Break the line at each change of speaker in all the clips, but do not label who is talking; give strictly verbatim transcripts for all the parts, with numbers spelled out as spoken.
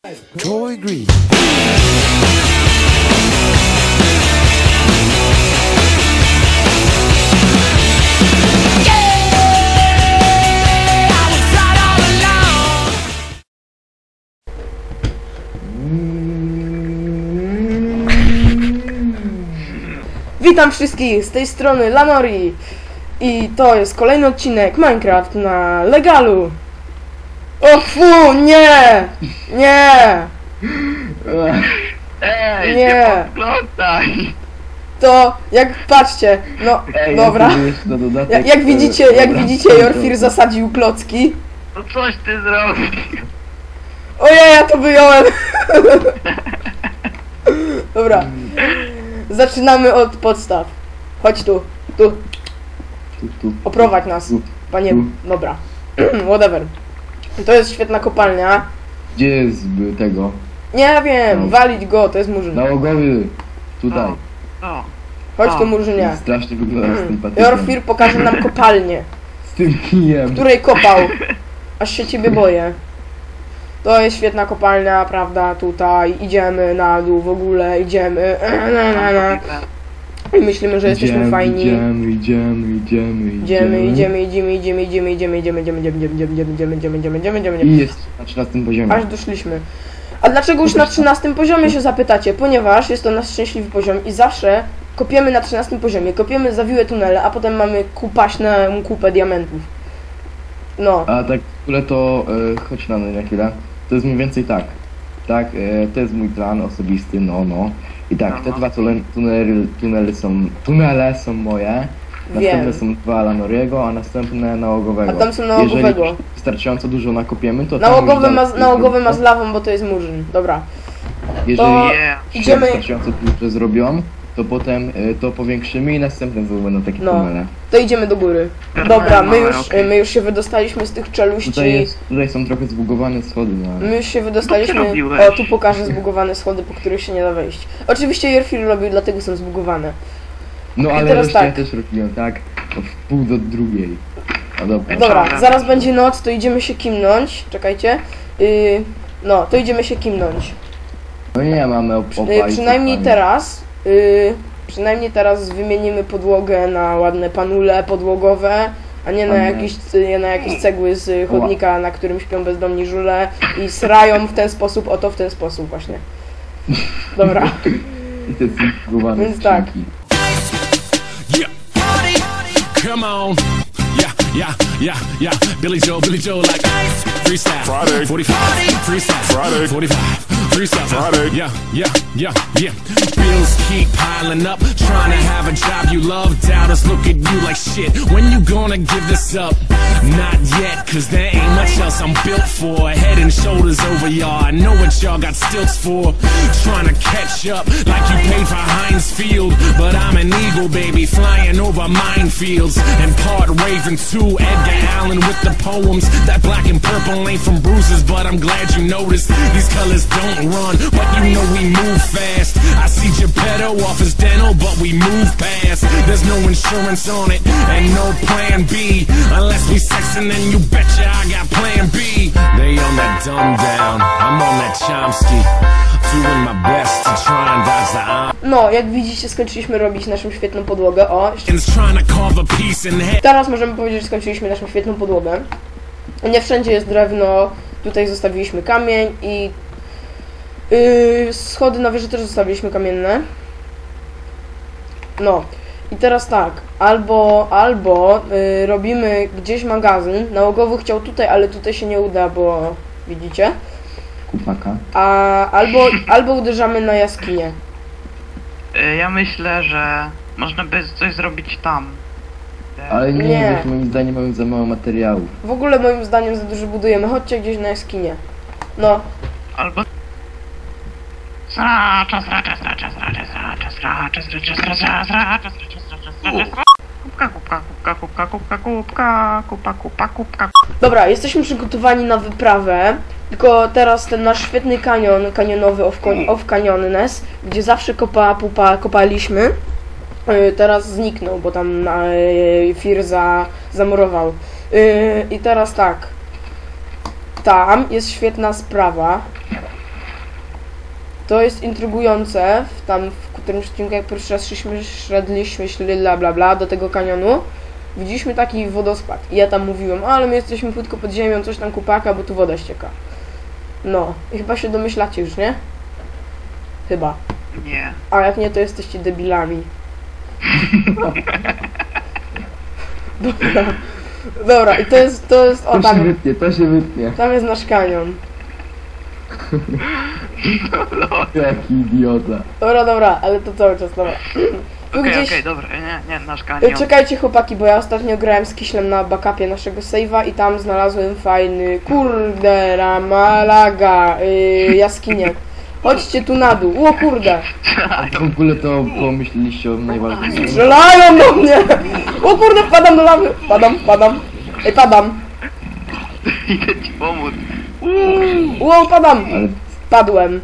Troy Green.
Witam wszystkich, z tej strony Lanori i to jest kolejny odcinek Minecraft na legalu. O fu, nie! Nie!
Ej,
Nie.
nie podglądaj!
To jak patrzcie, no
Ej,
dobra.
ja jeszcze na dodatek,
Jak, jak
e,
widzicie, jak
dobra,
widzicie,
to-
Jorfir zasadził klocki.
No coś ty zrobił!
Ojej, ja to wyjąłem. Dobra. Zaczynamy od podstaw. Chodź tu, tu,
Tu, tu,
oprowadź nas,
tu.
panie,
tu.
dobra. Whatever. To jest świetna kopalnia.
Gdzie jest y, tego?
Nie wiem,
No.
walić go, to jest murzyn.
Nałogowy! Tutaj.
O,
Chodź
o.
tu, murzynie.
Strasznie wygląda sympatycznie.
Jorfir pokaże nam kopalnię,
Z tym kijem.
w której kopał. Aż się ciebie boję. To jest świetna kopalnia, prawda, tutaj idziemy na dół, w ogóle idziemy. I myślimy, że jesteśmy
Idziemy,
fajni.
Idziemy, idziemy, idziemy,
Idziemy, idziemy, idziemy, idziemy, idziemy, idziemy, idziemy, idziemy, idziemy, idziemy, idziemy, idziemy, idziemy, idziemy, idziemy, idziemy,
I
idziemy.
jest na trzynastym poziomie.
Aż doszliśmy. A dlaczego już na trzynastym poziomie się zapytacie? Ponieważ jest to nasz szczęśliwy poziom i zawsze kopiemy na trzynastym poziomie. Kopiemy zawiłe tunele, a potem mamy kupaśną kupę diamentów. No.
A tak w ogóle to, e, chodź na mnie na chwilę. To jest mniej więcej tak. Tak, e, to jest mój plan osobisty, no, no. I tak, te
Aha.
dwa tunele, tunele, tunele są, tunele są moje. Następne
Wiem.
są dwa Lanoriego, a następne nałogowego.
A tam są nałogowego.
Jeżeli wystarczająco dużo nakopiemy, to tam
Nałogowy
już
ma,
dalej-
nałogowy ma z lawą, bo to jest murzyn. Dobra.
Jeżeli
to-
Yeah.
się
Idziemy.
wystarczająco dużo zrobią, to potem e, to powiększymy i następne znowu będą takie
No.
tunele.
To idziemy do góry. Dobra, my już, my już się wydostaliśmy z tych
Tutaj,
czeluści.
jest, tutaj są trochę zbugowane schody, no ale...
My już się wydostaliśmy.
Co ty robiłeś?
O, tu pokażę zbugowane schody, po których się nie da wejść. Oczywiście Jorfir robił, dlatego są zbugowane.
No ale
teraz
wreszcie
tak.
ja też robiłem, tak? O, w pół do drugiej. No dobra.
Dobra,
Dobra.
zaraz będzie noc, to idziemy się kimnąć. Czekajcie. Yy, no, to idziemy się kimnąć.
No nie mamy op- opa
Yy,
i
przynajmniej
kopalni.
teraz. Yy, przynajmniej teraz wymienimy podłogę na ładne panule podłogowe, a nie na
Ładne.
jakieś, nie na jakieś cegły z chodnika, na którym śpią bezdomni żule i srają w ten sposób, oto w ten sposób właśnie. Dobra.
I te zbugowane
Więc tak.
skrzynki.
Yeah. Come on. Yeah, yeah, yeah, yeah. Billy Joe, Billy Joe, like freestyle.
Friday.
forty-five. Freestyle.
Friday.
forty-five. Freestyle.
Friday.
Yeah, yeah, yeah, yeah. Bills keep piling up. Trying to have a job you love. Doubters look at you like shit. When you gonna give this up? Not yet, cause there ain't much else I'm built for. Head and shoulders over y'all. I know what y'all got stilts for. Trying to catch up like you paid for Heinz Field. But I'm an eagle, baby, flying over minefields. And part Raven too. Edgar Allan with the poems. That black and purple ain't from bruises, but I'm glad you noticed. These colors don't run, but you know we move fast. I see Geppetto off his dental, but we move past. There's no insurance on it, and no plan B. Unless we sexin', then you betcha I got plan B. They on that dumb down, I'm on that Chomsky. Doing my best to try and dodge the arm.
No, jak widzicie, skończyliśmy robić naszą świetną podłogę. O, jeszcze
Trying to carve a piece in head.
teraz możemy powiedzieć, że skończyliśmy naszą świetną podłogę. Nie wszędzie jest drewno, tutaj zostawiliśmy kamień i yy, schody na wieży też zostawiliśmy kamienne. No i teraz tak, albo, albo yy, robimy gdzieś magazyn. Nałogowy chciał tutaj, ale tutaj się nie uda, bo widzicie.
Kupaka.
A albo, albo uderzamy na jaskinię.
Y, Ja myślę, że można by coś zrobić tam. Y,
Ale nie,
Nie.
bo moim zdaniem mamy za mało materiałów.
W ogóle moim zdaniem za dużo budujemy. Chodźcie gdzieś na jaskinię. No,
Albo... Sracza, sracza, sracza, sracza, sracza, sracza, sracza, sracza, sracza, sracza, sracza, sracza. Kubka, kubka, kubka, kubka, kubka, kubka, kupa, kupa, kubka.
dobra, jesteśmy przygotowani na wyprawę. Tylko teraz ten nasz świetny kanion, kanionowy of, of Canyonness, gdzie zawsze kopa, pupa, kopaliśmy, yy, teraz zniknął, bo tam yy, Fir za, zamurował. Yy, I teraz tak, tam jest świetna sprawa. to jest intrygujące, w tam w którymś odcinku, jak pierwszy raz szliśmy, szedliśmy, szli bla bla bla do tego kanionu, widzieliśmy taki wodospad i ja tam mówiłem, ale my jesteśmy płytko pod ziemią, coś tam kupaka, bo tu woda ścieka. No, i chyba się domyślacie już, nie? Chyba.
Nie.
A jak nie, to jesteście debilami. Dobra. Dobra, i to jest, to jest, o
To się
tam,
wytnie, to się wytnie.
tam jest nasz kanion.
Jaki idiota.
Dobra, dobra, ale to cały czas, dobra. Tu
Okej,
gdzieś...
okej, dobra, nie, nie, nasz
E,
kanion.
Czekajcie chłopaki, bo ja ostatnio grałem z Kiślem na backupie naszego save'a i tam znalazłem fajny, kurde, ramalaga, yy, jaskinię. Chodźcie tu na dół, o kurde.
W ogóle to pomyśleliście o najważniejszym.
Strzelają do mnie! O kurde, wpadam do lawy! Wpadam, wpadam. Ej, padam.
Idę ci pomóc.
Ło, padam!
Ale
Padłem.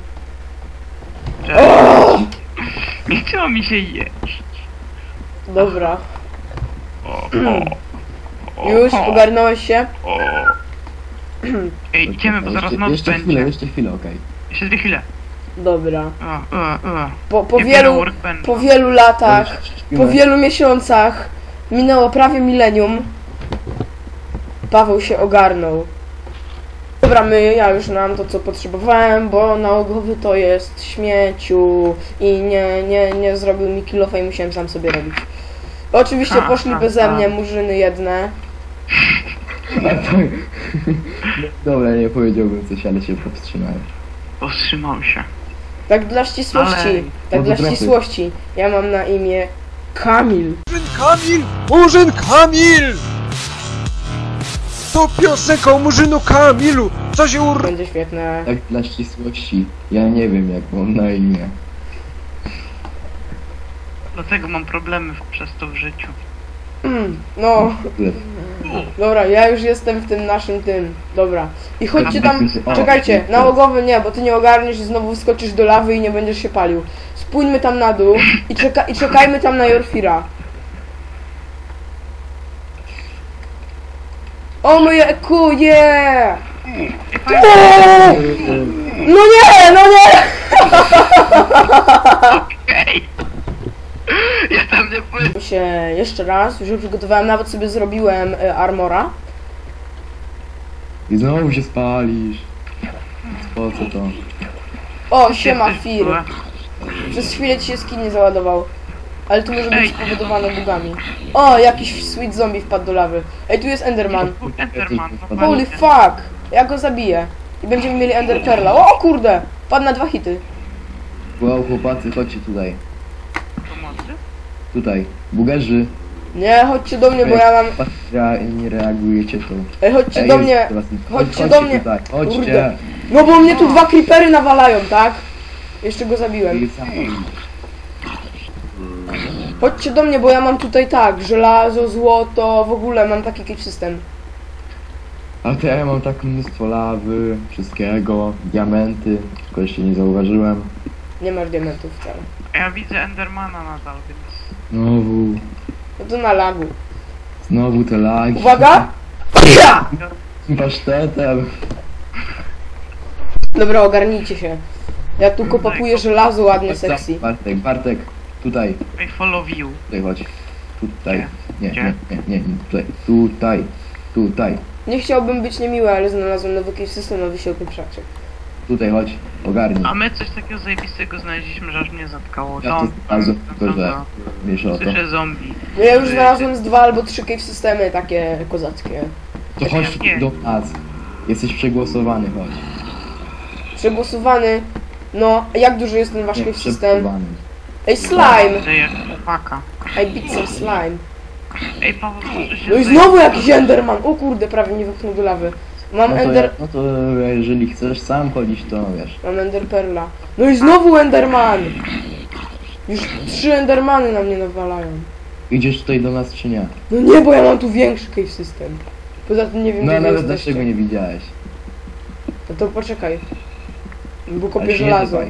Cześć. Nie chciało mi się jeść.
Dobra.
O, o, o,
Już
o,
ogarnąłeś się?
o. Ej, idziemy, bo zaraz
jeszcze,
noc
jeszcze
będzie.
chwilę, jeszcze chwilę, okej.
Jeszcze dwie chwile.
Dobra.
O, o, o.
Po, po,
Nie
wielu,
biorę workbencha.
po wielu latach,
Śpimy.
po wielu miesiącach, minęło prawie milenium, Paweł się ogarnął. Dobra, my, ja już mam to, co potrzebowałem, bo nałogowy to jest śmieciu i nie, nie, nie zrobił mi kilofa i musiałem sam sobie robić. Oczywiście
Ha,
poszli
ha,
beze
ha.
mnie murzyny jedne.
A tak. Dobra, nie powiedziałbym coś, ale się powstrzymałem.
Powstrzymał się.
Tak dla ścisłości,
Ale-
tak
No
dla
to trochę.
ścisłości. Ja mam na imię Kamil.
Murzyn Kamil! Murzyn Kamil! To piosenka o Murzynu Kamilu! Co się ur...
Będzie świetne.
Tak dla ścisłości. Ja nie wiem, jak mam na imię.
Dlatego mam problemy w- przez to w życiu.
Mm, no, dobra, ja już jestem w tym naszym tym. Dobra. I chodźcie tam,
O,
czekajcie,
o,
nałogowy nie, bo ty nie ogarniesz i znowu wskoczysz do lawy i nie będziesz się palił. Spójrzmy tam na dół i, czeka i czekajmy tam na Jorfira. O moje kuje! No nie, no nie!
Okej. Ja tam nie pójdę.
się jeszcze raz, już przygotowałem, nawet sobie zrobiłem y, armora.
I znowu się spalisz. Po co to?
O, siema Fir. Przez chwilę ci się skin nie załadował. Ale to może być
Ej.
spowodowane bugami. O, jakiś sweet zombie wpadł do lawy. Ej, tu jest Enderman.
Enderman,
Holy
normalnie.
fuck! Ja go zabiję. I będziemy mieli Ender Pearla. O kurde! Padł na dwa hity.
Wow, chłopacy, chodźcie tutaj.
Pomocy?
Tutaj. Bugerzy.
Nie, chodźcie do mnie, bo ja mam...
Ja nie reagujecie to.
Ej, chodźcie
Ej,
do
jest
mnie.
teraz-
Chodźcie do mnie.
Tutaj. Chodźcie.
Kurde. No bo mnie tu dwa creepery nawalają, tak? Jeszcze go zabiłem.
I sam-
Chodźcie do mnie, bo ja mam tutaj tak, żelazo, złoto, w ogóle mam taki keep system.
A to ja mam tak mnóstwo lawy, wszystkiego, diamenty, tylko jeszcze nie zauważyłem.
Nie masz diamentów wcale.
Ja widzę Endermana nadal, więc...
Znowu,
No to na lagu.
znowu te lagi.
Uwaga! Ja!
Pasztetem.
Dobra, ogarnijcie się. Ja tu kopapuję żelazo ładnie sexy.
Bartek, Bartek, tutaj,
I follow you.
tutaj chodź. Tutaj. Nie,
Gdzie?
nie, nie, nie, nie, tutaj, tutaj, tutaj,
Nie chciałbym być niemiły, ale znalazłem nowy cave system, a wy się opieprzacie.
tutaj chodź, ogarnij.
A my coś takiego zajebistego znaleźliśmy, że aż mnie zatkało.
Ja to
Zombie,
znalazłem, tylko że
zombie.
wiesz o to.
Słyszę zombie.
No ja już znalazłem z dwa albo trzy cave systemy takie kozackie.
To chodź
Nie.
do nas. Jesteś przegłosowany, chodź.
Przegłosowany. No, a jak duży jest ten wasz
Nie,
cave system?
przegłosowany.
Ej, slime!
Ty jak chłopaka.
I beat some slime.
Ej, Paweł, może się
No i
zaj-
znowu jakiś enderman! O kurde, prawie nie wypchnął do lawy. Mam
No to,
ender...
ja, no to jeżeli chcesz sam chodzić, to wiesz.
Mam ender perla. No i znowu enderman! Już trzy endermany na mnie nawalają.
Idziesz tutaj do nas czy nie?
No nie, bo ja mam tu większy cave system. Poza tym nie wiem,
No
gdzie wy
nawet
jesteście.
dlaczego nie widziałeś?
No to poczekaj. Bo
Ale
kopię
się nie
żelazo.
dawaj.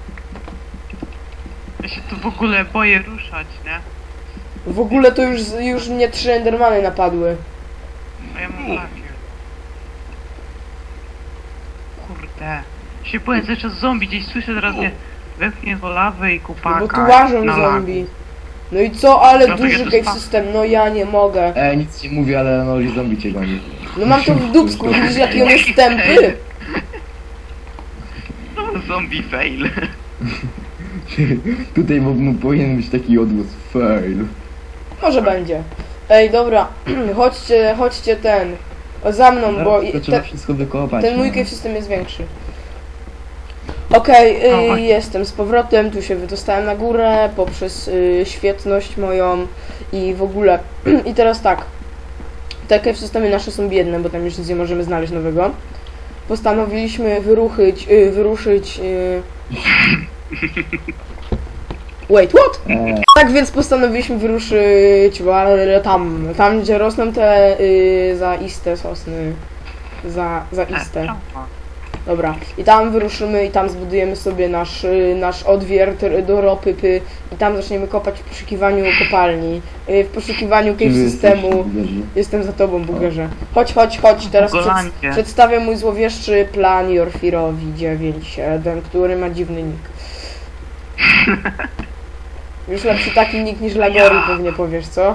Ja się tu w ogóle boję ruszać, nie?
W ogóle to już, już mnie trzy endermany napadły.
A ja mam takie. Kurde. Się boję, cały czas zombie gdzieś słyszę, teraz mnie wepchnie do lawy i
No
kupaka.
bo tu łażą
na
zombie. No i co, ale
No to
duży
ja to
cave
spa-
system, no ja nie mogę.
E, nic nie mówię, ale no i zombie cię goni.
No mam to w dupsku, widzisz jaki on jest tępy?
lagu. Zombie fail.
Tutaj mo- mo- powinien być taki odgłos fail.
Może będzie. Ej, dobra, chodźcie, chodźcie ten. Za mną, bo
Zaraz
i-
to trzeba
te,
wszystko wykopać.
ten mój
no.
cave system jest większy. Okej,
O,
y,
właśnie.
jestem z powrotem, tu się wydostałem na górę poprzez y, świetność moją i w ogóle. I teraz tak, te cave systemy nasze są biedne, bo tam już nic nie możemy znaleźć nowego. Postanowiliśmy wyruszyć, y, wyruszyć... Y... Wait, what?
E,
Tak więc postanowiliśmy wyruszyć ale tam, tam gdzie rosną te y, zaiste sosny. Za, zaiste. Dobra. I tam wyruszymy i tam zbudujemy sobie nasz, y, nasz odwiert y, do ropy py, i tam zaczniemy kopać w poszukiwaniu kopalni. Y, w poszukiwaniu
czy
cave
wy
systemu.
jesteście bugerzy?
Jestem za tobą, bugerze. Chodź, chodź, chodź. Teraz przed,
Bugolancie.
przedstawię mój złowieszczy plan Jorfirowi dziewięć siedem, który ma dziwny nick. Już lepszy taki nick niż Lagori, pewnie powiesz, co?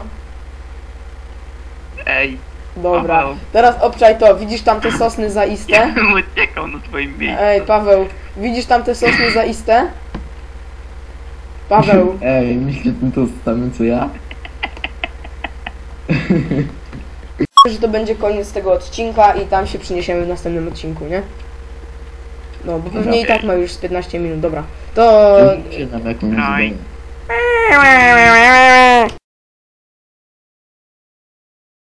Ej,
Dobra.
Paweł.
Teraz obczaj to. Widzisz tam te sosny
ja
zaiste?
bym uciekał na twoim miejscu.
Ej, Paweł. Widzisz tam te sosny zaiste? Paweł.
Ej, myślę to samym co ja?
Że to będzie koniec tego odcinka i tam się przyniesiemy w następnym odcinku, nie? No, bo pewnie i tak ma już z piętnaście minut, dobra. To...
Mówcie nam jakąś
Daj.
zadanie.